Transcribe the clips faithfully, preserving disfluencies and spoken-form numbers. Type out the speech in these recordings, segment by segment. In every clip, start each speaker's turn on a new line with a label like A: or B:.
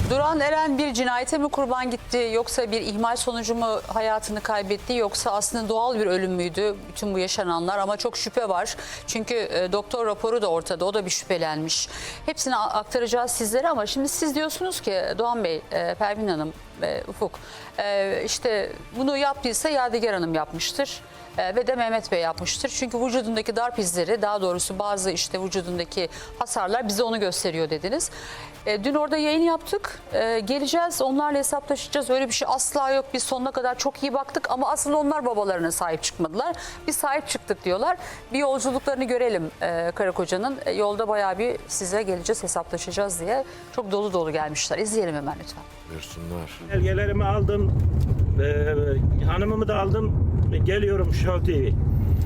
A: Duran Eren bir cinayete mi kurban gitti yoksa bir ihmal sonucu mu hayatını kaybetti yoksa aslında doğal bir ölüm müydü bütün bu yaşananlar, ama çok şüphe var. Çünkü e, doktor raporu da ortada, o da bir şüphelenmiş. Hepsini aktaracağız sizlere ama şimdi siz diyorsunuz ki Doğan Bey, e, Pervin Hanım, e, Ufuk e, işte bunu yaptıysa Yadigar Hanım yapmıştır. Ee, ve de Mehmet Bey yapmıştır. Çünkü vücudundaki darp izleri, daha doğrusu bazı işte vücudundaki hasarlar bize onu gösteriyor dediniz. Ee, dün orada yayın yaptık. Ee, geleceğiz, onlarla hesaplaşacağız. Öyle bir şey asla yok. Biz sonuna kadar çok iyi baktık ama aslında onlar babalarına sahip çıkmadılar. Biz sahip çıktık diyorlar. Bir yolculuklarını görelim e, karı kocanın. E, yolda bayağı bir size geleceğiz, hesaplaşacağız diye çok dolu dolu gelmişler. İzleyelim hemen lütfen.
B: Buyursunlar.
C: Belgelerimi aldım, ee, hanımımı da aldım. Geliyorum Show T V.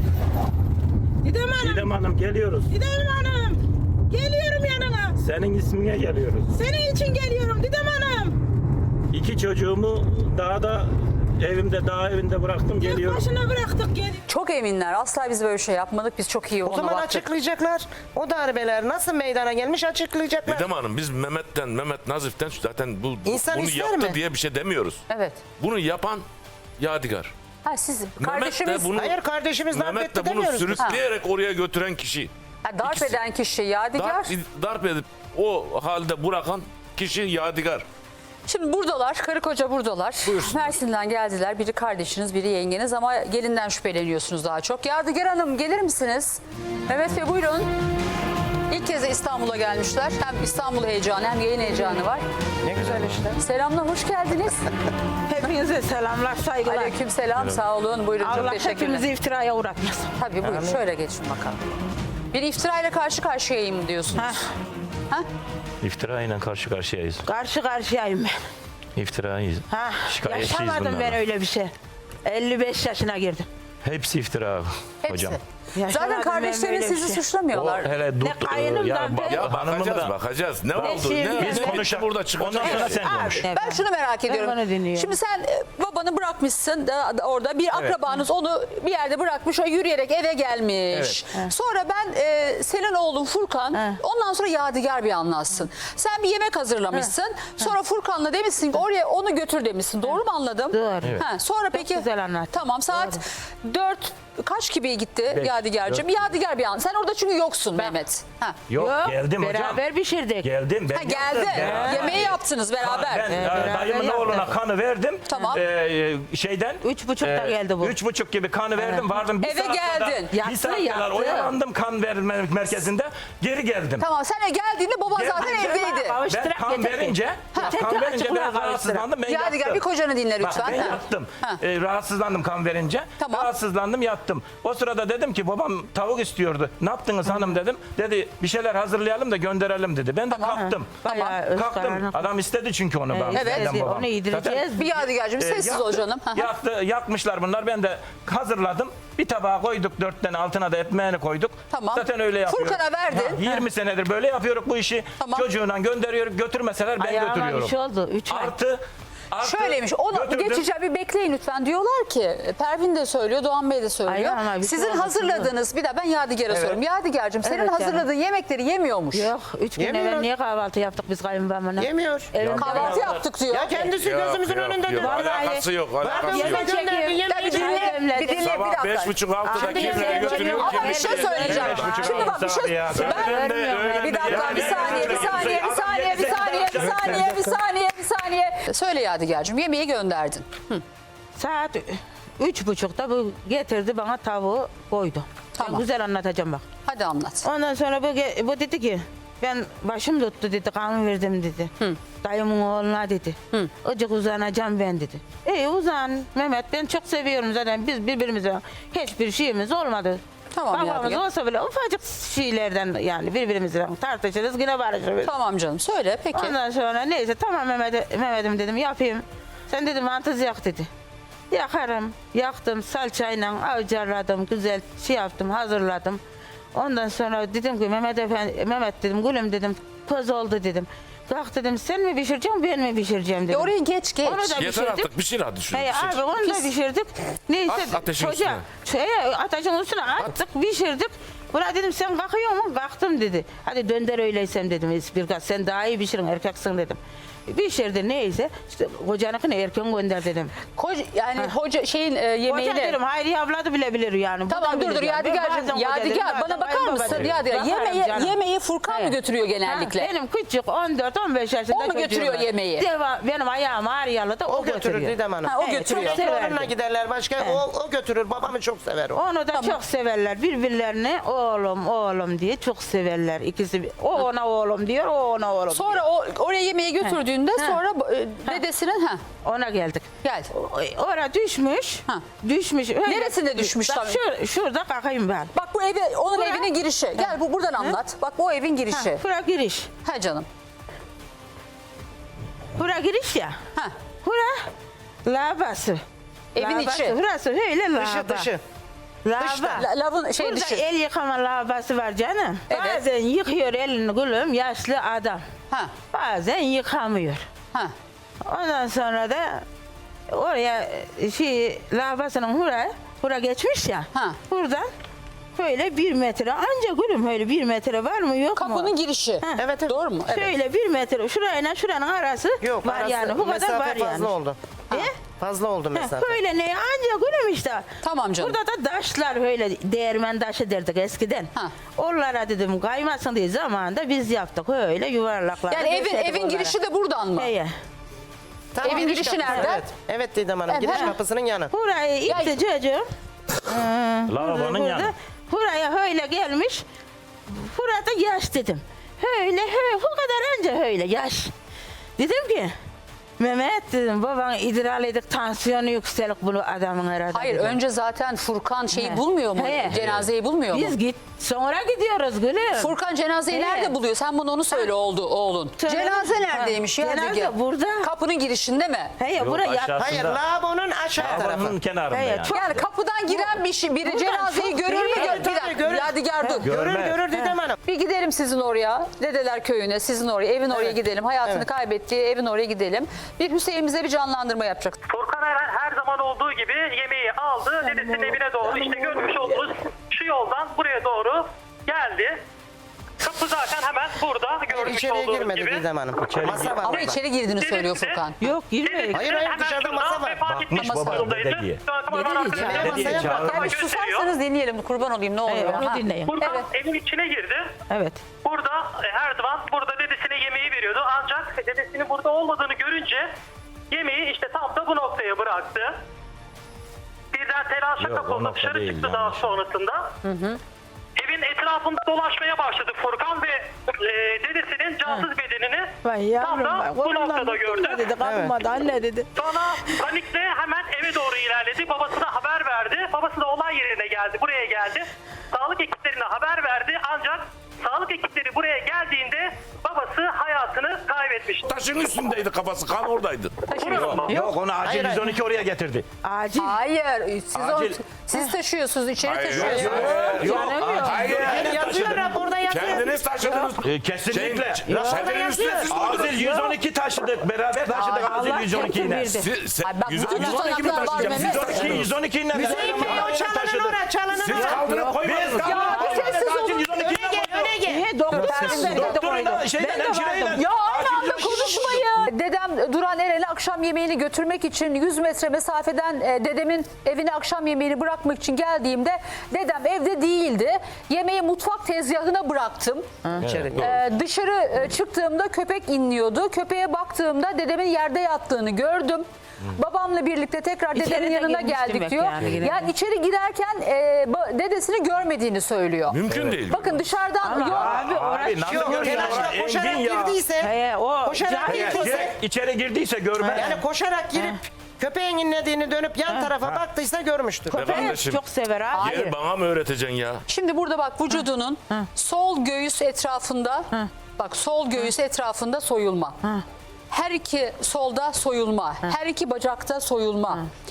D: Didem Hanım,
C: Didem Hanım geliyoruz.
D: Didem Hanım. Geliyorum yanına.
C: Senin ismine geliyoruz.
D: Senin için geliyorum Didem Hanım.
C: İki çocuğumu dağda, evimde, dağ evinde bıraktım,
D: Tek
C: geliyorum.
D: başına bıraktık gel.
A: Çok eminler. Asla biz böyle bir şey yapmadık. Biz çok iyi
E: O
A: ona
E: zaman
A: baktık.
E: açıklayacaklar. O darbeler nasıl meydana gelmiş açıklayacaklar.
B: Didem Hanım, biz Mehmet'ten, Mehmet Nazif'ten zaten bu,
E: İnsan
B: bunu
E: ister
B: yaptı
E: mi?
B: diye bir şey demiyoruz.
A: Evet.
B: Bunu yapan Yadigar.
A: Ha, siz
B: Mehmet de
A: kardeşimiz
B: bunu,
E: Hayır, kardeşimiz darp
B: Mehmet
E: etti
B: de bunu
E: demiyoruz.
B: sürükleyerek oraya götüren kişi.
A: ha, darp
B: İkisi-
A: eden kişi Yadigar.
B: Darp, darp edip o halde bırakan kişi Yadigar.
A: Şimdi buradalar, karı koca buradalar.
B: Buyursunlar.
A: Mersin'den geldiler. Biri kardeşiniz, biri yengeniz ama gelinden şüpheleniyorsunuz daha çok. Yadigar Hanım gelir misiniz? Mehmet Bey buyurun. İlk kez de İstanbul'a gelmişler. Hem İstanbul heyecanı hem yayın heyecanı var.
E: Ne güzel işte.
A: Selamlar, hoş geldiniz.
D: Hepinize selamlar, saygılar.
A: Aleyküm selam, sağ olun. Buyurun, çok
D: Allah
A: teşekkürler.
D: hepimizi iftiraya uğratmasın.
A: Tabii buyurun, şöyle geçin bakalım. Bir iftirayla karşı karşıyayım diyorsunuz.
D: Heh,
A: Ha?
F: İftirayla karşı karşıyayız.
D: karşı karşıyayım ben.
F: İftirayız.
D: Ha,
F: Şikayetçiyiz
D: yaşamadım
F: bunlardan.
D: ben öyle bir şey. elli beş yaşına girdim.
F: Hepsi iftira
A: Hepsi.
F: hocam.
A: Zaten
D: Yaşamadım ben
A: kardeşleriniz
D: böyle bir
A: sizi
D: şey.
A: suçlamıyorlar.
F: O hele dut,
D: Ne kayınımdan
F: ya,
D: ben-
F: ba-
B: Ya
F: hanımımı
B: bakacağız,
F: da
B: bakacağız. Ne oldu?
D: şimdi-
B: Ne,
D: Biz
B: ne
F: konuşalım.
B: burada çıkacak?
F: Ondan sonra
B: şey.
F: sen konuş.
D: Evet.
A: Ben şunu merak ediyorum.
D: onu dinliyorum.
A: Şimdi sen e, babanı bırakmışsın da, da orada bir akrabanız onu bir yerde bırakmış, o yürüyerek eve gelmiş. Sonra ben e, senin oğlun Furkan,
D: He.
A: ondan sonra Yadigar bir anlatsın. Sen bir yemek hazırlamışsın. Sonra Furkan'la demişsin ki oraya onu götür demişsin. Doğru mu anladım?
D: Doğru. Evet.
A: Ha, sonra peki
D: güzel anlattın.
A: tamam, saat dört kaç gibi gitti
F: Beş,
A: Yadigar'cığım? Yadigar bir an. Sen orada çünkü yoksun Mehmet. Ha.
F: Yok, geldim hocam.
D: beraber pişirdik.
F: Geldim. Ben
A: Ha, geldi.
F: yaptım. Beraber.
A: Yemeği yaptınız beraber.
F: Ben e,
D: beraber
F: dayımın
D: yaptık.
F: oğluna kanı verdim.
A: Tamam.
F: E, şeyden.
D: Üç buçukta geldi bu.
F: Üç buçuk gibi kanı verdim. Vardım bir
A: Eve
F: saat kadar-
A: geldin.
F: Bir
D: Yattı,
F: saat kadar
D: yattı.
F: oyalandım kan verme merkezinde. Geri geldim.
A: Tamam, sen geldiğinde baban zaten
F: Geldim.
A: evdeydi.
F: Ben
D: Kavuşturak
F: kan
D: getirdik.
F: verince,
D: Ha.
F: kan
D: Tekrar
F: verince
D: açıklığa
F: ben
D: kavuşturak.
F: rahatsızlandım. Ben
A: Yadigar
F: yattım.
A: bir kocanı dinle
F: Bak,
A: lütfen.
F: ben
A: Ha.
F: yattım.
A: Ha.
F: Ee, rahatsızlandım kan verince.
A: Tamam.
F: Rahatsızlandım, yattım. O sırada dedim ki babam tavuk istiyordu. Ne yaptınız hanım dedim. Dedi bir şeyler hazırlayalım da gönderelim dedi. Ben de kalktım.
D: Bayağı öz
F: Kalktım.
D: karanlık.
F: Adam istedi çünkü onu.
D: Evet,
F: benden
D: evet,
F: babam.
D: onu yedireceğiz.
F: Zaten,
A: Bir Yadigar'cığım
F: e,
A: sessiz
F: yaktı,
A: ol canım. Hı hı.
F: Yaktı, yakmışlar bunlar. Ben de hazırladım. Bir tabağa koyduk, dört tane altına da ekmeğini koyduk.
A: Tamam.
F: Zaten öyle yapıyoruz.
A: Furkan'a verdin.
F: Ha, yirmi senedir böyle yapıyoruz bu işi.
A: Tamam.
F: Çocuğuna gönderiyoruz. Götürmeseler ben
D: Ayağıma
F: götürüyorum.
D: bir şey oldu. Üç ay.
F: Artı, artı
A: Şöyleymiş. Onu
F: götürdüm.
A: geçeceğim, bir bekleyin lütfen. Diyorlar ki Pervin de söylüyor, Doğan Bey de söylüyor.
D: Ayağıma bir şey
A: Sizin
D: oldu,
A: hazırladığınız, bir daha ben Yadigar'a
F: Evet.
A: soruyorum. Yadigar'cığım senin
D: Evet canım.
A: hazırladığın yemekleri yemiyormuş.
D: Yok, üç gün
E: Yemiyor.
D: evvel niye kahvaltı yaptık biz kayınbabamla?
E: Yemiyor.
D: Evinde
A: Kahvaltı yaptık diyor.
E: Ya kendisi
B: Yok,
E: gözümüzün
B: yok,
E: önünde
B: yok.
E: diyor.
B: Alakası yok, alakası yok.
D: yemek çekiyor.
A: Ya bir dinle, bir dinle, bir
B: Sabah
A: dakika.
B: beş buçuk altıda
D: Şimdi
B: kimlere
D: yemeğe
B: götürüyor?
D: götürüyor.
A: Ama bir şey söyleyeceğim.
F: Beş buçuk
A: Şimdi bak bir
F: saat
A: şey...
F: ya.
A: Ben...
B: Öğlende,
D: Vermiyorum.
B: öğlende
A: Bir dakika,
B: yemek
A: bir saniye, bir saniye, bir saniye, bir saniye, bir saniye, bir saniye, bir saniye. Söyle Yadigar'cığım, yemeği gönderdin. Hı.
D: Saat üç buçukta bu getirdi bana tavuğu koydu.
A: Tamam.
D: Ben güzel anlatacağım bak.
A: Hadi anlat.
D: Ondan sonra bu, ge- bu dedi ki ben başım tuttu dedi, kan verdim dedi. Dayımın oğluna dedi.
A: Hı.
D: Acık uzanacağım ben dedi. İyi uzan Mehmet, ben çok seviyorum zaten, biz birbirimize hiçbir şeyimiz olmadı.
A: Tamam
D: Babamız
A: Yadigar.
D: olsa bile ufacık şeylerden yani birbirimizle tartışırız yine barışırız.
A: Tamam canım, söyle peki.
D: Ondan sonra neyse tamam Mehmet, Mehmet'im dedim yapayım. Sen dedim mantız yak dedi. Yakarım. Yaktım salçayla avcarladım, güzel şey yaptım, hazırladım. Ondan sonra dedim ki Mehmet efendi, Mehmet dedim gülüm dedim, toz oldu dedim. Kalk dedim, sen mi pişireceksin ben mi pişireceğim dedim.
A: Ya oraya geç geç.
D: Onu da
B: Yeter
D: pişirdik.
B: artık, bir şey hadi şunu.
D: Hey abi onu da pişirdik. Neyse
B: At ateşin
D: çocuğa-
B: üstüne.
D: şeye, ateşin üstüne attık, pişirdik. Buna dedim sen kalkıyor musun? Kalktım dedi. Hadi dönder öyleysem dedim. Bir sen daha iyi pişirin erkeksin dedim. Pişirdi neyse. İşte kocanınkini erken gönder dedim.
A: Koca, yani hoca şeyin e, yemeğini...
D: Hoca dedim Hayriye abla da bilebilir yani. Bu
A: Tamam
D: da
A: dur
D: bilir
A: dur
D: yani. Ben
A: Yadigar'cığım.
D: bazen hoca dedim,
A: Yadigar
D: bazen
A: bana bakar
D: kayınbaba
A: mısın
D: dedim.
A: Yadigar?
D: Bakarım
A: Yemeği,
D: canım.
A: yemeği Furkan mı
D: Evet.
A: götürüyor genellikle?
D: Ha, benim küçük on dört on beş yaşında
A: O mu
D: çocuğum
A: götürüyor
D: var.
A: yemeği?
D: Deva, benim ayağım ağrıyalı da o,
E: O götürür
D: götürüyor.
E: Didem Hanım.
A: Ha, o
D: Evet,
A: götürüyor.
D: çok severdi.
E: Onunla giderler başka. O, o götürür. Babamı çok sever o.
D: Onu da çok severler. Birbirlerini oğlum oğlum diye çok severler. İkisi o ona oğlum diyor, o ona oğlum
A: Sonra o oraya yemeği götürdüğünde
D: Ha.
A: sonra e, dedesinin ha
D: diyor. Ona geldik.
A: gel.
D: O- Ora düşmüş.
A: Ha.
D: Düşmüş. Öyle-
A: Neresinde düşmüş
D: Bak
A: tabii?
D: şur, şurada kalkayım ben.
A: Bak bu evi onun
D: Bura-
A: evinin girişi. Gel bu buradan anlat. Bak bu evin girişi.
D: Ha, bura giriş.
A: Ha canım.
D: Bura giriş ya.
A: Ha.
D: Bura lavabası.
A: Evin
D: Lavabası,
A: içi.
D: Burası öyle lavaba.
E: Dışı dışı.
D: Lavaba.
A: La- lavın şey
D: Burada
A: dışı.
D: el yıkama lavabası var canım.
A: Evet.
D: Bazen yıkıyor elini gülüm yaşlı adam.
A: Ha.
D: Bazen yıkamıyor.
A: Ha.
D: Ondan sonra da oraya şey lavabasının hura, hura geçmiş ya.
A: Ha.
D: Buradan böyle bir metre anca gülüm öyle bir metre var mı yok mu?
A: Kapının girişi.
E: Evet, evet.
A: Doğru mu? Evet.
D: Şöyle bir metre şurayla şuranın arası
E: Yok
D: var
E: arası,
D: yani bu kadar
E: mesafe
D: var
E: fazla
D: yani.
E: oldu.
D: E?
E: Fazla oldu
D: Heh,
E: mesafe.
D: Böyle ne anca gülüm işte.
A: Tamam canım.
D: Burada da taşlar böyle değirmen taşı derdik eskiden.
A: Ha.
D: Onlara dedim kaymasın diye zamanında biz yaptık öyle yuvarlaklar.
A: Yani evin evin girişi de buradan mı?
D: Heye.
E: Tam
A: Evin
E: giriş
A: girişi
E: kapısı,
A: nerede?
E: Evet. Evet Didem Hanım.
A: Evet,
E: Giriş
A: ha.
E: kapısının yanı.
D: Burayı itti çocuğum. Ee,
F: Lavabonun
D: burada-
F: yanı.
D: Buraya öyle gelmiş. Burada yaş dedim. Öyle öyle bu kadar önce öyle yaş. Dedim ki Mehmet dedim baban idrar edip tansiyonu yükselik bunu adamın herhalde.
A: Hayır
D: dedim.
A: önce zaten Furkan şeyi
D: He.
A: bulmuyor mu?
D: He.
A: Cenazeyi bulmuyor mu?
D: Biz git sonra gidiyoruz gülüm.
A: Furkan cenazeyi
D: He.
A: nerede buluyor? Sen bunu onu söyle oldu oğlun.
D: Söyle.
A: Cenaze
D: Ha,
A: neredeymiş ya?
D: cenaze
A: Dege?
D: burada.
A: Kapının girişinde mi?
D: Heye
F: Yok,
D: buraya yat.
F: aşağısı.
E: Hayır lavabonun aşağı
F: Lavabonun
E: tarafı.
F: kenarında
D: Evet,
F: yani.
D: çok-
A: Yani kapıdan giren bir şey, biri
D: Buradan
A: cenazeyi
D: çok
A: görür mü?
D: değil.
A: Gör, bir
E: Tabii,
A: dakika.
E: görür.
A: Yadigar dur.
F: Gör-
E: Görür
F: Görmez.
E: görür Didem Hanım.
A: Bir gidelim sizin oraya. Dedeler köyüne, sizin oraya, evin oraya
E: Evet.
A: gidelim. Hayatını
E: Evet.
A: kaybettiği evin oraya gidelim. Bir Hüseyin bize bir canlandırma yapacak.
G: Furkan her, her zaman olduğu gibi yemeği aldı. Dedesinin evine doğru işte görmüş olduğunuz şu yoldan buraya doğru geldi. Kapı zaten hemen burada görmüş
E: İçeriye
G: olduğunuz
E: girmedi
G: gibi.
E: Didem Hanım.
F: İçeri
E: Masa var
A: Ama
E: orada.
A: içeri girdiğini söylüyor
G: Dedesi-
A: Furkan.
D: Yok girmeyin.
G: Dedesinin
E: Hayır, hayır,
G: hemen
E: dışarıda
G: şuradan
E: masa var.
G: vefat etmiş
F: Bakmış babam
G: durumdaydı.
F: dede diye.
G: Şu an kamera
A: Dede
G: arkasında
A: diyeceğim.
G: masayı
E: Dede
G: yaprak
F: çağırmak
A: Yani
G: gösteriyor.
A: susarsanız dinleyelim. Kurban olayım ne oluyor?
D: Evet, onu
A: Ha.
D: dinleyin.
G: Furkan
A: Evet.
G: evin içine girdi.
D: Evet.
G: Burada e, her zaman burada dedesine yemeği veriyordu. Ancak dedesinin burada olmadığını görünce yemeği işte tam da bu noktaya bıraktı. Birden telaşa
F: Yok, o
G: kapıldı,
F: nokta
G: dışarı
F: değil
G: çıktı
F: yani.
G: daha sonrasında. Evin etrafında dolaşmaya başladı Furkan ve e, dedesinin cansız bedenini
D: Vay
G: tam
D: yavrum
G: da
D: bak.
G: bu
D: Ondan
G: noktada
D: bıktım
G: gördü.
D: da dedi. Kapılmadı anne dedi.
G: Sonra panikle hemen eve doğru ilerledi. Babasına haber verdi. Babası da olay yerine geldi. Buraya geldi. Sağlık ekiplerine haber verdi. Ancak sağlık ekipleri buraya geldiğinde babası hayatını kaybetmişti.
B: Taşın üstündeydi kafası. Kan oradaydı.
G: Burası.
F: Yok onu acil
E: Hayır, hayır.
F: yüz on iki oraya getirdi.
D: Acil.
A: Hayır. Siz,
F: Acil.
A: onu- siz taşıyorsunuz, içeri
B: Hayır.
A: taşıyorsunuz.
F: Yok
D: Canım yok.
B: Hayır.
E: Yazıyor raporda yazıyor.
B: Kendiniz taşıdınız.
F: e, kesinlikle.
B: Şeyin, seferin üstüne siz
F: Acil
B: koydunuz.
F: yüz on iki taşıdık. Beraber taşıdık
D: Allah
F: acil yüz on iki ile.
D: getirdi.
B: Siz, siz,
A: Ay bak,
B: yüz-
A: bütün
B: yüz on iki mi
A: tutanaklar var
B: taşıyacağım? Siz
A: Mehmet.
B: taşıdınız.
F: yüz on iki ile
E: Hüseyin Bey o çalının ora çalının
B: Siz
E: ora.
B: kaldırıp koymadınız.
F: Biz
A: Ya bir sessiz olun.
F: acil yüz on iki ile
E: Öne gel öne gel.
D: He, doktor ben de
F: Doktorun da
D: koydum.
F: şeyden
D: Ben de
F: hemşireyle.
D: vardım.
A: Ya aynı anda konuşmayın. Dedem Duran Eren'e akşam yemeğini götürmek için yüz metre mesafeden e, dedemin evine akşam yemeğini bırakmak için geldiğimde dedem evde değildi. Yemeği mutfak tezgahına bıraktım.
E: İçeri.
A: Ee, dışarı e, çıktığımda köpek inliyordu. Köpeğe baktığımda dedemin yerde yattığını gördüm. Babamla birlikte tekrar
D: İçeri
A: dedemin
D: de
A: yanına
D: girmiş
A: geldik
D: demek
A: diyor.
D: yani, girerken.
A: Yani içeri girerken e, ba- dedesini görmediğini söylüyor.
B: Mümkün değil.
A: Bakın dışarıdan yok.
D: Abi orası
F: Abi nasıl
E: Yok
F: görüyor?
E: telaşla
F: Engin
E: koşarak
F: ya.
E: girdiyse.
D: He, o
E: Koşarak
D: cahil
F: Eğer
E: girdiyse.
F: direkt içeri girdiyse görmez.
E: Yani koşarak girip köpeğin inlediğini dönüp yan tarafa baktıysa görmüştür.
B: Be kardeşim,
D: çok sever abi.
B: Gel bana mı öğreteceksin ya?
A: Şimdi burada bak vücudunun sol göğüs etrafında bak sol göğüs etrafında soyulma. Her iki solda soyulma. Her iki bacakta soyulma.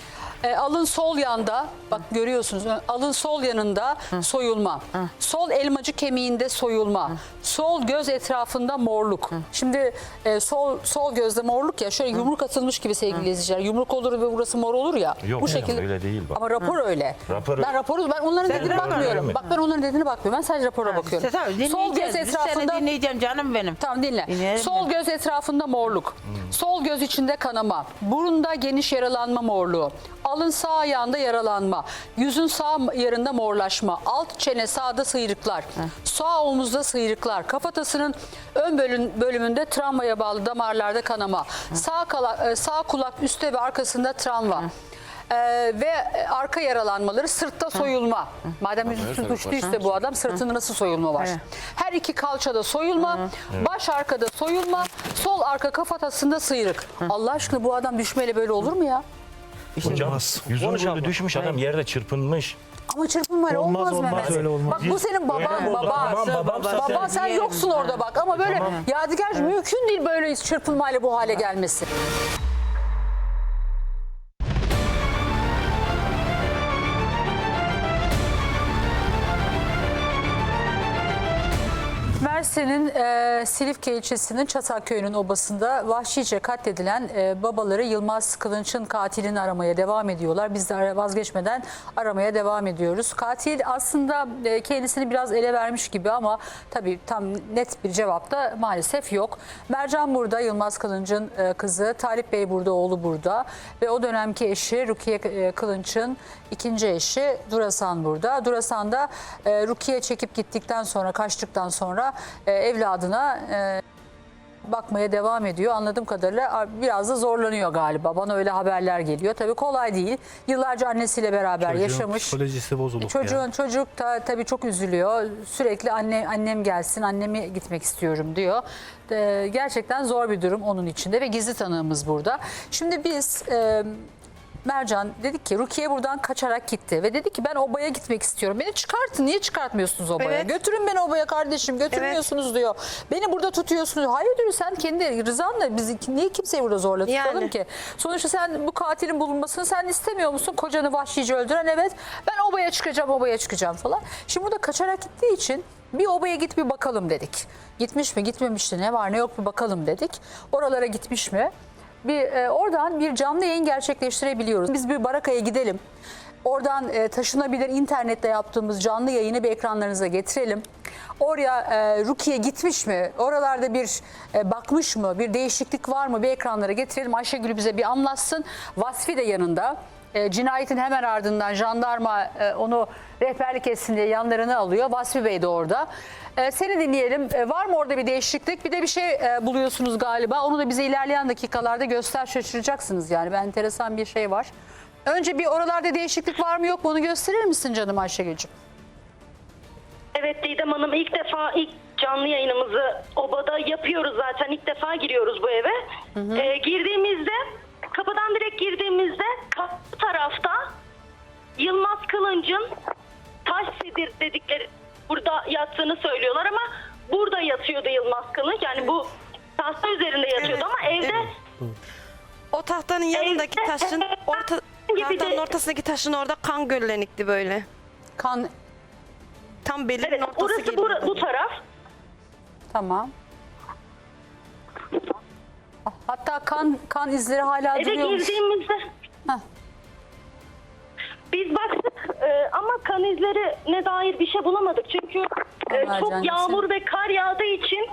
A: E, alın sol yanda, bak görüyorsunuz, alın sol yanında soyulma. Sol elmacık kemiğinde soyulma. Sol göz etrafında morluk. Şimdi e, sol sol gözde morluk ya, şöyle yumruk atılmış gibi sevgili izleyiciler. Yumruk olur ve burası mor olur ya.
F: Yok
A: bu
F: canım,
A: şekilde.
F: öyle değil bak.
A: Ama rapor öyle.
F: Rapor-
A: Ben raporu ben onların dediğine
D: rapor
A: bakmıyorum.
F: öyle
A: Bak ben onların dediğine bakmıyorum. Ben sadece rapora bakıyorum.
D: İşte tabii,
A: Sol göz
D: dinleyeceğiz. Biz seni
A: etrafında
D: dinleyeceğim canım benim.
A: Tamam dinle.
D: Dinleyelim
A: Sol
D: mi?
A: göz etrafında morluk. Sol göz içinde kanama. Burunda geniş yaralanma morluğu. Alın sağ ayağında yaralanma. Yüzün sağ yarında morlaşma. Alt çene sağda sıyrıklar. Sağ omuzda sıyrıklar. Kafatasının ön bölüm, bölümünde travmaya bağlı damarlarda kanama. Sağ, kala, sağ kulak üstte ve arkasında travma. Ee, ve arka yaralanmaları, sırtta soyulma. Madem yüzüstü düştüyse bu adam, sırtında nasıl soyulma var?
D: Evet.
A: Her iki kalçada soyulma, baş arkada soyulma, sol arka kafatasında sıyrık. Allah aşkına bu adam düşmeyle böyle olur mu ya?
F: Hocam yüzün
C: Konuşalım.
F: böyle düşmüş, adam yerde çırpınmış.
A: Ama çırpınmayla olmaz,
C: Olmaz, olmaz,
A: Mehmet.
C: öyle olmaz.
A: Bak bu senin baban,
F: Öyle
A: baba.
F: Tamam, babam
A: Baba
F: sen-
A: sen
D: Yerim.
A: yoksun orada bak, ama böyle Yadigar mümkün değil böyle çırpınmayla bu hale gelmesi. Mersin'in e, Silifke ilçesinin Çatalköy'ünün obasında vahşice katledilen e, babaları Yılmaz Kılınç'ın katilini aramaya devam ediyorlar. Biz de ara- vazgeçmeden aramaya devam ediyoruz. Katil aslında e, kendisini biraz ele vermiş gibi ama tabii tam net bir cevap da maalesef yok. Mercan burada, Yılmaz Kılınç'ın e, kızı, Talip Bey burada, oğlu burada ve o dönemki eşi Rukiye e, Kılınç'ın ikinci eşi Durasan burada. Durasan da e, Rukiye çekip gittikten sonra, kaçtıktan sonra e, evladına e, bakmaya devam ediyor. Anladığım kadarıyla biraz da zorlanıyor galiba. Bana öyle haberler geliyor. Tabii kolay değil. Yıllarca annesiyle beraber
H: Çocuğun
A: yaşamış.
H: psikolojisi bozuluk
A: Çocuğun
H: ya.
A: çocuk da tabii çok üzülüyor. Sürekli anne annem gelsin, anneme gitmek istiyorum diyor. E, gerçekten zor bir durum onun içinde ve gizli tanığımız burada. Şimdi biz e, Mercan dedik ki Rukiye buradan kaçarak gitti ve dedi ki ben obaya gitmek istiyorum. Beni çıkartın. Niye çıkartmıyorsunuz obaya?
I: Evet.
A: Götürün beni obaya kardeşim. Götürmüyorsunuz diyor. Beni burada tutuyorsunuz. Hayır diyor, sen kendi rızanla bizi niye kimseyi burada zorla tutalım
I: Yani.
A: ki? Sonuçta sen bu katilin bulunmasını sen istemiyor musun? Kocanı vahşice öldüren, evet. Ben obaya çıkacağım, obaya çıkacağım falan. Şimdi burada kaçarak gittiği için bir obaya git bir bakalım dedik. Gitmiş mi, gitmemiş mi, ne var ne yok bir bakalım dedik. Oralara gitmiş mi? Bir e, oradan bir canlı yayın gerçekleştirebiliyoruz. Biz bir barakaya gidelim. Oradan e, taşınabilir internette yaptığımız canlı yayını bir ekranlarınıza getirelim. Oraya e, Rukiye gitmiş mi? Oralarda bir e, bakmış mı? Bir değişiklik var mı? Bir ekranlara getirelim. Ayşegül bize bir anlatsın. Vasfi de yanında. E, cinayetin hemen ardından jandarma e, onu rehberlik etsin diye yanlarına alıyor. Vasfi Bey de orada. E, seni dinleyelim. E, var mı orada bir değişiklik? Bir de bir şey e, buluyorsunuz galiba. Onu da bize ilerleyen dakikalarda göster, şaşıracaksınız yani. Ben enteresan bir şey var. Önce bir oralarda değişiklik var mı yok mu onu gösterir misin canım Ayşegül'cüğüm?
J: Evet Didem Hanım, ilk defa ilk canlı yayınımızı obada yapıyoruz zaten. İlk defa giriyoruz bu eve. Ee, girdiğimizde, kapıdan direkt girdiğimizde kapı tarafta Yılmaz Kılınç'ın taş sedir dedikleri burada yattığını söylüyorlar ama burada yatıyordu Yılmaz Kılınç. Yani bu tahta üzerinde yatıyordu
I: Evet,
J: ama evde
I: O tahtanın yanındaki
J: Evde-
I: taşın orta
J: Gibi de-
I: tahtanın ortasındaki taşın orada kan göllenikti böyle.
A: Kan,
I: Tam belinin
J: evet,
I: ortası
J: orası
I: gibi.
J: bu, bu taraf.
A: tamam. Hatta kan kan izleri hala
J: Eve
A: duruyormuş.
J: girdiğimizde
A: Heh.
J: biz baktık e, ama kan izleri ne dair bir şey bulamadık. Çünkü e,
A: Allah
J: çok
A: canım
J: yağmur ve kar yağdığı için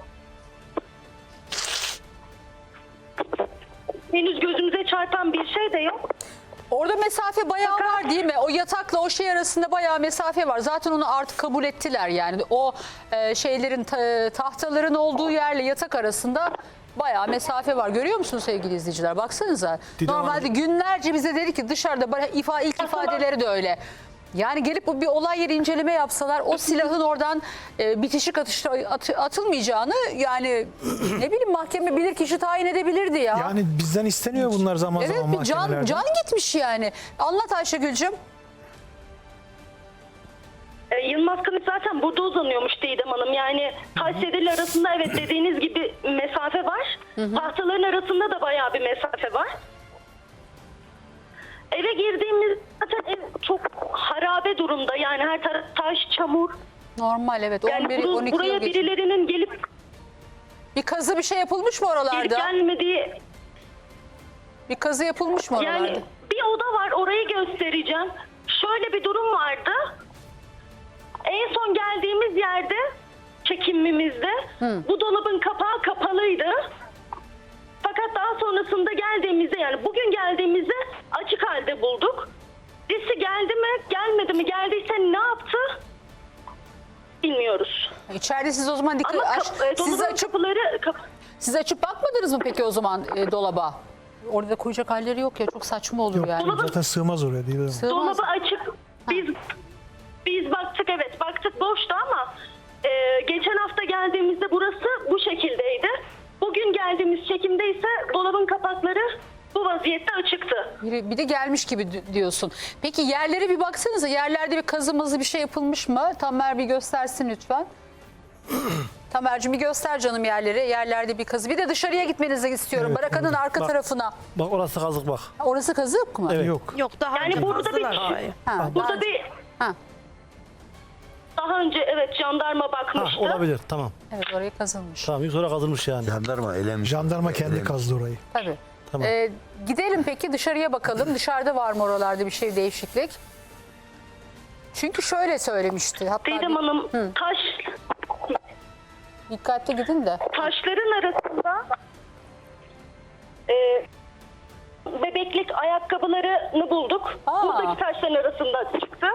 J: henüz gözümüze çarpan bir şey de yok.
A: Orada mesafe bayağı var değil mi? O yatakla o şey arasında bayağı mesafe var. Zaten onu artık kabul ettiler yani. O e, şeylerin ta- tahtaların olduğu yerle yatak arasında bayağı mesafe var. Görüyor musunuz sevgili izleyiciler? Baksanıza.
H: Didem
A: Normalde
H: Hanım.
A: günlerce bize dedi ki dışarıda bayağı ifa, ilk ifadeleri de öyle. Yani gelip bir olay yeri inceleme yapsalar o silahın oradan e, bitişik atışta at- atılmayacağını yani ne bileyim mahkeme bilirkişi tayin edebilirdi ya.
H: Yani bizden isteniyor bunlar zaman
A: Evet
H: zaman
A: bir can,
H: mahkemelerde.
A: can gitmiş yani. Anlat Ayşegül'cüm.
J: E, Yılmaz Kılıç zaten burada uzanıyormuş Didem Hanım. Yani taş sedirle arasında evet dediğiniz gibi mesafe var. Tahtaların arasında da bayağı bir mesafe var. eve girdiğimiz zaten ev çok harabe durumda. Yani her taraf taş, çamur.
A: Normal evet.
J: Yani
A: on bir
J: buru-
A: on iki
J: buraya
A: yıl geçti.
J: birilerinin gelip
A: Bir kazı bir şey yapılmış mı
J: gelip
A: oralarda?
J: gelmediği,
A: Bir kazı yapılmış mı oralarda?
J: yani bir oda var, orayı göstereceğim. Şöyle bir durum vardı. En son geldiğimiz yerde, çekimimizde bu dolabın kapağı kapalıydı. Fakat daha sonrasında geldiğimizde, yani bugün geldiğimizde açık halde bulduk. Birisi geldi mi, gelmedi mi, geldiyse ne yaptı bilmiyoruz.
A: İçeride siz o zaman dikkat
J: Ama
A: aç,
J: kap- e,
A: siz
J: dolabın
A: açıp
J: kapıları kap-
A: siz açıp bakmadınız mı peki o zaman e, dolaba? Orada da koyacak halleri yok ya, çok saçma olur
H: Yok,
A: yani.
H: zaten sığmaz oraya değil mi?
A: Sığmaz.
J: dolabı açık. Biz biz baktık, evet baktık, boştu ama e, geçen hafta geldiğimizde burası bu şekildeydi. Bugün geldiğimiz çekimde ise dolabın kapakları bu vaziyette açıktı.
A: Bir, bir de gelmiş gibi di- diyorsun. Peki yerlere bir baksanıza. Yerlerde bir kazımızı bir şey yapılmış mı? Tamer bir göstersin lütfen. Tamer'cim bir göster canım yerleri. Yerlerde bir kazı. Bir de dışarıya gitmenizi istiyorum.
H: Evet,
A: Barakanın
H: orada.
A: arka
H: Bak.
A: tarafına.
H: Bak orası kazık bak.
A: Orası kazık mı?
H: Evet. Yok.
I: Yok daha
J: Yani
I: önce
J: burada bir-
I: kazdılar orayı.
A: Ha, daha
J: Burada
A: önce-
J: bir
A: ha,
J: daha önce evet jandarma
K: Ha,
J: bakmıştı.
K: olabilir tamam.
A: evet oraya kazılmış.
K: Tamam sonra kazılmış yani.
L: Jandarma elemiş.
H: Jandarma kendi kazdı orayı.
A: Tabii.
K: Tamam.
A: Ee, gidelim peki dışarıya bakalım. Dışarıda var mı oralarda bir şey, değişiklik? Çünkü şöyle söylemişti. Hatta
J: Didem
A: bir-
J: Hanım, taş
A: dikkatli gidin de.
J: taşların arasında e, bebeklik ayakkabılarını bulduk.
A: Aa.
J: Buradaki taşların arasında çıktı.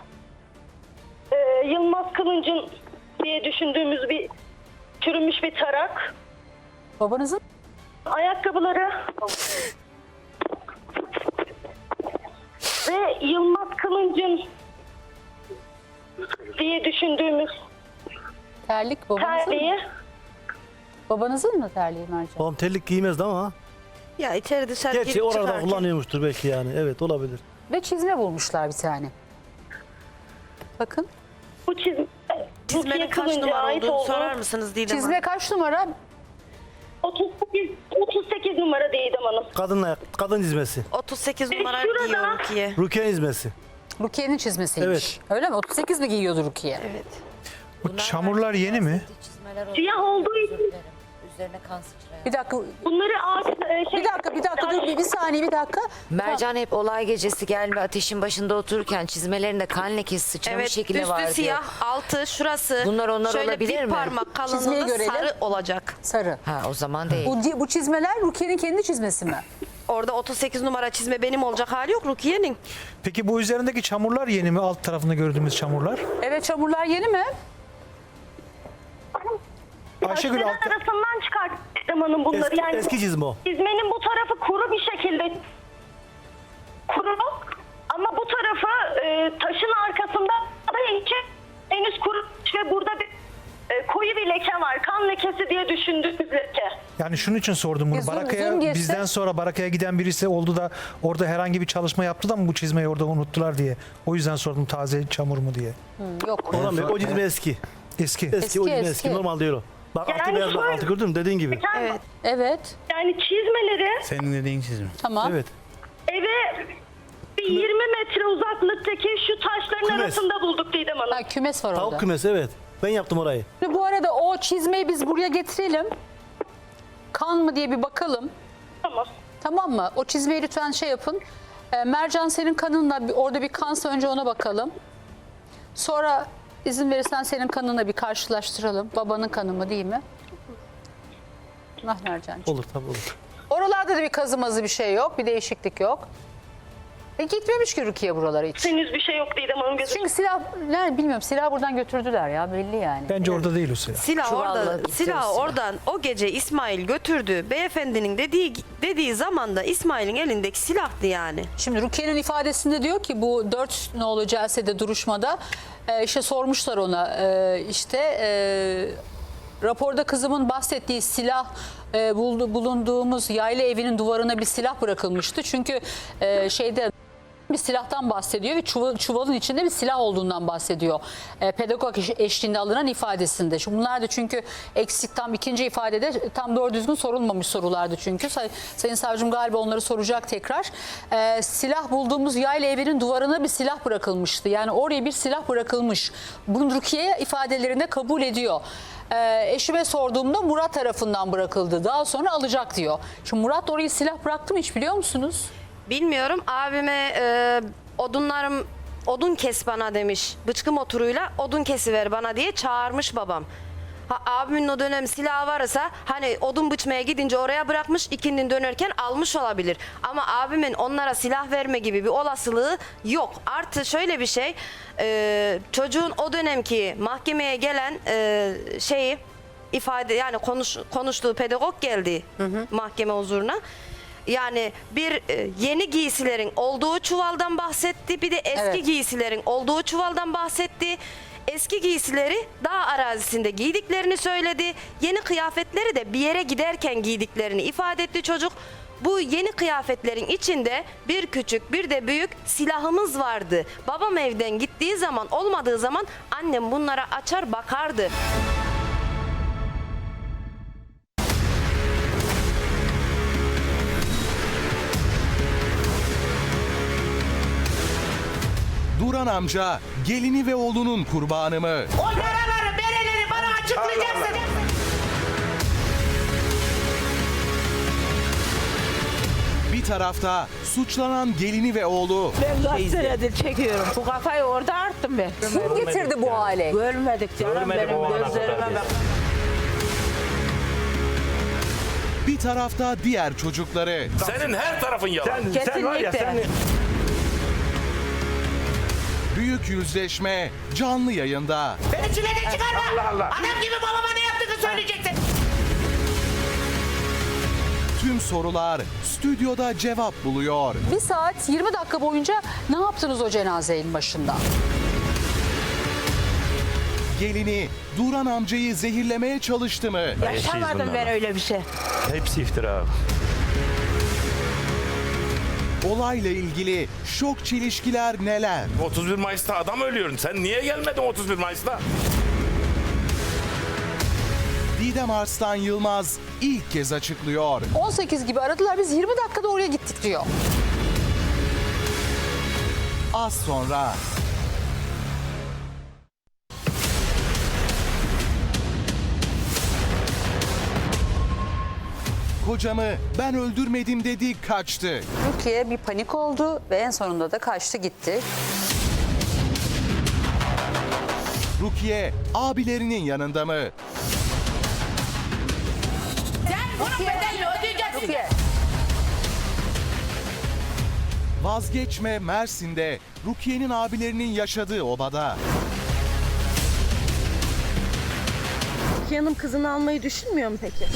J: E, Yılmaz Kılıncın diye düşündüğümüz bir çürümüş bir tarak.
A: Babanızın
J: Ayakkabıları ve Yılmaz Kılıncın diye düşündüğümüz
A: terlik babanızın mı?
J: terliği.
A: Babanızın mı terliği Mercan?
K: Babam terlik giymezdi ama.
I: Ya içeri dışarı
K: Gerçi
I: girip
K: orada
I: çıkarken.
K: kullanıyormuştur belki yani. Evet olabilir.
A: Ve çizme bulmuşlar bir tane. Bakın.
J: Bu çizme
I: Çizmenin
J: Rukiye
I: kaç
J: Kılıncı'ya
I: numara
J: ait
I: olduğunu
J: olduğu
I: sorar mısınız Didem
A: Çizme
I: Hanım?
A: kaç numara?
J: otuz sekiz, otuz sekiz numara Didem Hanım.
K: Kadın ayak, kadın dizmesi.
I: otuz sekiz
J: E,
I: numara
J: şurada-
I: giyiyor Rukiye.
K: Rukiye dizmesi.
A: Rukiye'nin çizmesiymiş.
K: Evet.
A: Öyle mi? otuz sekiz mi giyiyordu Rukiye?
I: Evet.
H: Bu çamurlar yeni mi?
J: Siyah olduğu için
M: Üzerine kan sıçrayan.
A: Bir dakika.
J: bunları ağaç... e, şey,
A: Bir dakika, bir dakika. Dur bir, bir saniye, bir dakika.
M: Mercan hep olay gecesi gelme ateşin başında otururken çizmelerinde kan lekesi sıçramış
I: Evet,
M: şekilde
I: üstü
M: var
I: siyah, altı şurası.
M: Bunlar onlar
I: şöyle
M: olabilir
I: bir
M: mi?
I: parmak
A: Çizmeyi
I: kalınlığında
A: görelim.
I: sarı olacak.
A: Sarı.
M: Ha o zaman değil.
A: Bu, bu çizmeler Rukiye'nin kendi çizmesi mi?
I: Orada otuz sekiz numara çizme benim olacak hali yok Rukiye'nin.
H: Peki bu üzerindeki çamurlar yeni mi? Alt tarafında gördüğümüz çamurlar.
A: Evet, çamurlar yeni mi?
H: Ayşegül
J: taşların
H: alt...
J: arasından çıkarttı Didem Hanım bunları.
K: Eski,
J: yani
K: eski çizme o.
J: çizmenin bu tarafı kuru bir şekilde kuru ama bu tarafı e, taşın arkasında da içi henüz kuru ve burada bir e, koyu bir leke var. Kan lekesi diye düşündüğümüz leke.
H: Yani şunun için sordum bunu.
A: Bir zoom-
H: Barakaya
A: zoom geçse-
H: bizden sonra Barakaya giden birisi oldu da orada herhangi bir çalışma yaptı da mı bu çizmeyi orada unuttular diye. O yüzden sordum taze çamur mu diye.
A: Yok.
K: Oğlum, o çizme eski.
H: Eski.
K: Eski,
A: Eski,
K: o çizme eski.
A: eski.
K: Normal değil o. Bak altı
J: Yani
K: beyaz bak
J: şöyle-
K: altı gördün mü dediğin gibi.
I: Evet.
A: Evet.
J: Yani çizmeleri
L: Senin dediğin çizim.
A: Tamam.
K: Evet.
J: eve bir yirmi metre uzaklıktaki şu taşların
K: Kümes.
J: arasında bulduk Didem Hanım.
A: Ha, kümes var orada.
K: Tavuk kümesi evet. Ben yaptım orayı.
A: Şimdi bu arada o çizmeyi biz buraya getirelim. Kan mı diye bir bakalım.
J: Tamam.
A: Tamam mı? O çizmeyi lütfen şey yapın. Ee, Mercan senin kanınla bir- orada bir kansa önce ona bakalım. Sonra izin verirsen senin kanınla bir karşılaştıralım. Babanın kanı mı değil mi? Ah Mercan'cığım.
K: Olur tabii olur.
A: Oralarda da bir kazımazı bir şey yok. Bir değişiklik yok. E gitmemiş ki Rukiye buralara hiç.
J: Henüz bir şey yok Didem Hanım. Gözü.
A: Çünkü silah, ne bilmiyorum silah buradan götürdüler ya belli yani.
H: Bence orada değil o silah.
I: Silah
M: Çuvalla
I: orada,
M: gidiyor
I: silah
M: silah.
I: oradan o gece İsmail götürdü. Beyefendinin dediği dediği zaman da İsmail'in elindeki silahtı yani.
A: Şimdi Rukiye'nin ifadesinde diyor ki bu dört nolu celsede duruşmada e, işte sormuşlar ona e, işte e, raporda kızımın bahsettiği silah e, buldu, bulunduğumuz yayla evinin duvarına bir silah bırakılmıştı. Çünkü e, şeyde bir silahtan bahsediyor ve çuval, çuvalın içinde bir silah olduğundan bahsediyor. E, pedagog eş- eşliğinde alınan ifadesinde. Şimdi bunlar da çünkü eksik, tam ikinci ifadede tam doğru düzgün sorulmamış sorulardı çünkü. Say, Sayın Savcım galiba onları soracak tekrar. E, silah bulduğumuz yayla evinin duvarına bir silah bırakılmıştı. Yani oraya bir silah bırakılmış. Bunu Rukiye ifadelerinde kabul ediyor. E, eşime sorduğumda Murat tarafından bırakıldı. Daha sonra alacak diyor. Şimdi Murat oraya silah bıraktı mı hiç biliyor musunuz?
I: Bilmiyorum, abime e, odunlarım odun kes bana demiş. Bıçkı motoruyla odun kesiver bana diye çağırmış babam. Ha, abimin o dönem silahı varsa hani odun biçmeye gidince oraya bırakmış, ikindin dönerken almış olabilir. Ama abimin onlara silah verme gibi bir olasılığı yok. Artı şöyle bir şey, e, çocuğun o dönemki mahkemeye gelen e, şeyi ifade, yani konuş, konuştuğu pedagog geldi mahkeme huzuruna. Yani bir e, yeni giysilerin olduğu çuvaldan bahsetti. Bir de eski
A: Evet.
I: giysilerin olduğu çuvaldan bahsetti. Eski giysileri dağ arazisinde giydiklerini söyledi. Yeni kıyafetleri de bir yere giderken giydiklerini ifade etti çocuk. Bu yeni kıyafetlerin içinde bir küçük bir de büyük silahımız vardı. Babam evden gittiği zaman, olmadığı zaman annem bunlara açar bakardı.
L: Duran amca gelini ve oğlunun kurbanı mı?
E: O yaraları, bereleri bana açıklayacaksın.
L: Bir tarafta suçlanan gelini ve oğlu.
D: Ben kaç senedir çekiyorum. Bu kafayı orada arttım ben.
A: Kim getirdi bu hale?
D: Görmedik canım,
C: Görmedik
D: benim
C: o ana
D: gözlerime
C: kadar
D: bak.
L: Bir tarafta diğer çocukları.
B: Senin her tarafın yalan.
F: Sen, sen var ya sen...
L: Büyük yüzleşme canlı yayında.
E: Beni çileden çıkarma.
F: Allah Allah.
E: Adam gibi babama ne yaptığını söyleyeceksin.
L: Tüm sorular stüdyoda cevap buluyor.
A: Bir saat yirmi dakika boyunca ne yaptınız o cenazenin başında?
L: Gelini Duran amcayı zehirlemeye çalıştı mı?
D: Yaşamadım ben öyle bir şey.
F: Hepsi iftira.
L: Olayla ilgili şok çelişkiler neler?
B: otuz bir Mayıs'ta adam ölüyor. Sen niye gelmedin otuz bir Mayıs'ta?
L: Didem Arslan Yılmaz ilk kez açıklıyor.
A: on sekiz gibi aradılar, biz yirmi dakikada oraya gittik diyor.
L: Az sonra. Kocamı ben öldürmedim dedi, kaçtı.
A: Rukiye bir panik oldu ve en sonunda da kaçtı gitti.
L: Rukiye abilerinin yanında mı?
E: Sen bunun bedelini ödeyeceksin.
A: Rukiye.
L: Vazgeçme Mersin'de Rukiye'nin abilerinin yaşadığı obada.
I: Rukiye Hanım kızını almayı düşünmüyor mu peki?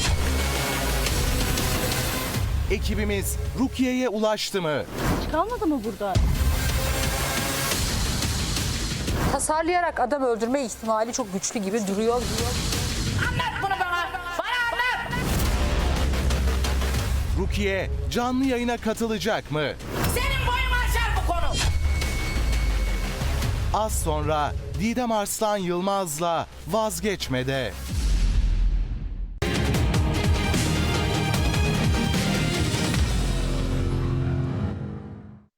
L: Ekibimiz Rukiye'ye ulaştı mı?
I: Kalmadı mı burada?
A: Tasarlayarak adam öldürme ihtimali çok güçlü gibi duruyor.
E: Anlat bunu bana. Bana anlat.
L: Rukiye canlı yayına katılacak mı?
E: Senin boyun aşar bu konu.
L: Az sonra Didem Arslan Yılmaz'la Vazgeçme'de.